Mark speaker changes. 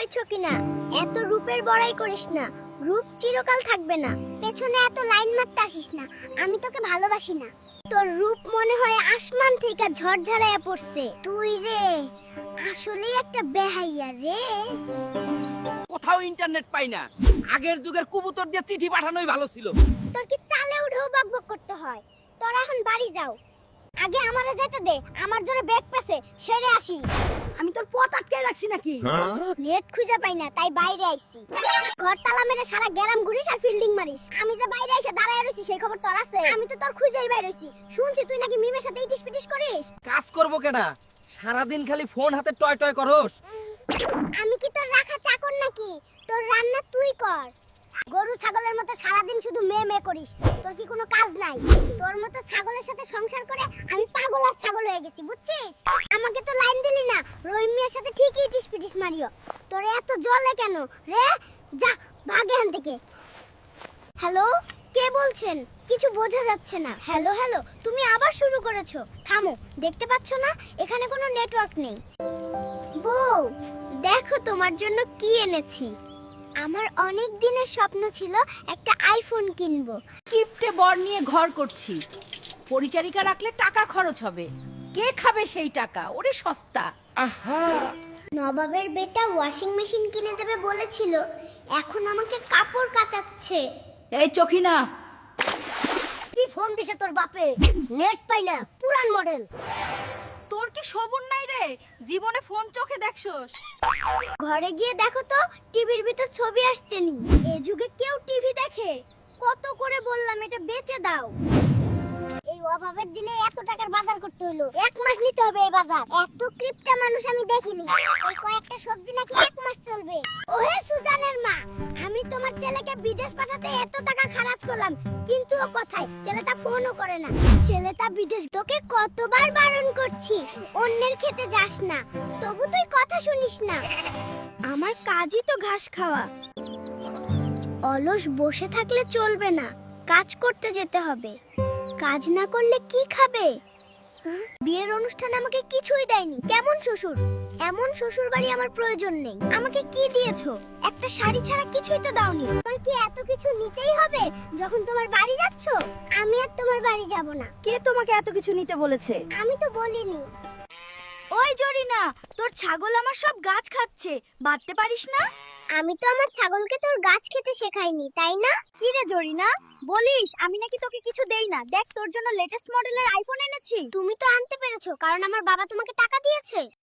Speaker 1: হয়েছ কিনা, এত রূপের বড়াই করিস না, রূপ চিরকাল থাকবে না। পেছনে এত লাইন মারতে আসিস না, আমি তোকে ভালোবাসি না। তোর রূপ মনে হয় আসমান থেকে ঝড়ঝড়াইয়া পড়ছে। তুই রে আসলেই একটা বেহাইয়া রে।
Speaker 2: কোথাও ইন্টারনেট পাই না, আগের যুগের কবুতর দিয়ে চিঠি পাঠানোই ভালো ছিল।
Speaker 1: তোর কি চালে উঠেও বকবক করতে হয়? তোরা এখন বাড়ি যাও, আগে আমারে যেতে দে, আমার জন্য ব্যাগ পেছে সেরে আসি।
Speaker 3: আমি তোর পথ আটকে রাখছি নাকি?
Speaker 1: নেট খুঁজে পাই না তাই বাইরে আইছি। ঘর তালা মেরে সারা গ্রাম ঘুরিস আর ফিল্ডিং মারিস, আমি যে বাইরে এসে দাঁড়ায় রইছি সেই খবর তোর আছে? আমি তো তোর খুঁজেই বাইরে হইছি। শুনছি তুই নাকি মিমের সাথে ইটিস পিটিস করিস।
Speaker 2: কাজ করবো কেনা, সারাদিন খালি ফোন হাতে টয় টয় করস।
Speaker 1: আমি কি তোর রাখা চাকর নাকি? তোর রান্না তুই কর। গরু ছাগলের মতো সারাদিন শুধু মেয়ে মেয়ে করিস, তোর কি কোনো কাজ নাই? তোর মতো ছাগলের সাথে সংসার করে আমি পাগল আর ছাগল হয়ে গেছি, বুঝছিস? আমাকে তো লাইন দিলি না, রহিম মিয়ার সাথে ঠিকই ইটিস পিটিস মারিও। তোর এত জ্বলে কেন রে? যা ভাগ এখান থেকে। হ্যালো, কে বলছেন? কিছু বোঝা যাচ্ছে না। হ্যালো হ্যালো, তুমি আবার শুরু করেছো। থামো, দেখতে পাচ্ছ না এখানে কোনো নেটওয়ার্ক নেই? বউ, দেখো তোমার জন্য কি এনেছি। আমার অনেক দিনের স্বপ্ন ছিল একটা আইফোন কিনবো।
Speaker 3: কিপটে বর নিয়ে ঘর করছি, পরিচারিকা রাখলে টাকা খরচ হবে, কে খাবে সেই টাকা? ওরে সস্তা।
Speaker 1: নবাবের বেটা ওয়াশিং মেশিন কিনে দেবে বলেছিল, এখন আমাকে কাপড় কাচাচ্ছে।
Speaker 3: এই চোখিনা,
Speaker 1: কি ফোন দিছে তোর বাপে? নেট পাই না, পুরান মডেল।
Speaker 3: তোর কি সবুর নাই রে? জীবনে ফোন চোখে দেখছস?
Speaker 1: ঘরে গিয়ে দেখো তো টিভির ভিতর ছবি আসছে নি। এই যুগে কেউ টিভি দেখে? কত করে বললাম এটা বেচে দাও। এই অভাবের দিনে এত টাকার বাজার করতে হলো, এক মাস নিতে হবে এই বাজার। এত ক্রিপ্টা মানুষ আমি দেখিনি। এই কয়েকটা সবজি নাকি এক মাস চলবে। ওহে সুজানের মা, আমি তোমার ছেলেকে বিদেশ পাঠাতে এত টাকা খরচ করলাম, কিন্তু ও কোথায়? ছেলেটা ফোনও করে না। ছেলেটা বিদেশ, তোকে কতবার বারণ করছি অন্যের খেতে যাস না, তবু তুই কথা শুনিস না। আমার কাজই তো ঘাস খাওয়া। অলস বসে থাকলে চলবে না, কাজ করতে যেতে হবে। কাজ না করলে কি খাবে? বিয়ের অনুষ্ঠানে আমাকে কিছুই দেয়নি। কেমন শ্বশুর? এমন শ্বশুর বাড়ি আমার প্রয়োজন নেই। আমাকে কি দিয়েছো? একটা শাড়ি ছাড়া কিছুই তো দাওনি। তোমার কি এত কিছু নিতেই হবে যখন তোমার বাড়ি যাচ্ছ? আমি আর তোমার বাড়ি যাব না।
Speaker 3: কে তোমাকে এত কিছু নিতে বলেছে?
Speaker 1: আমি তো বলিনি।
Speaker 3: ওই জরিনা, তোর ছাগল আমার সব গাছ খাচ্ছে, বাঁধতে পারিস না?
Speaker 1: আমি তো আমার ছাগলকে তোর গাছ খেতে শেখাইনি, তাই না?
Speaker 3: কি রে জরিনা, বলিস আমি নাকি তোকে কিছু দেই না? দেখ তোর জন্য লেটেস্ট মডেলের আইফোন এনেছি।
Speaker 1: তুমি তো আনতে পেরেছো কারণ আমার বাবা তোমাকে টাকা দিয়েছে।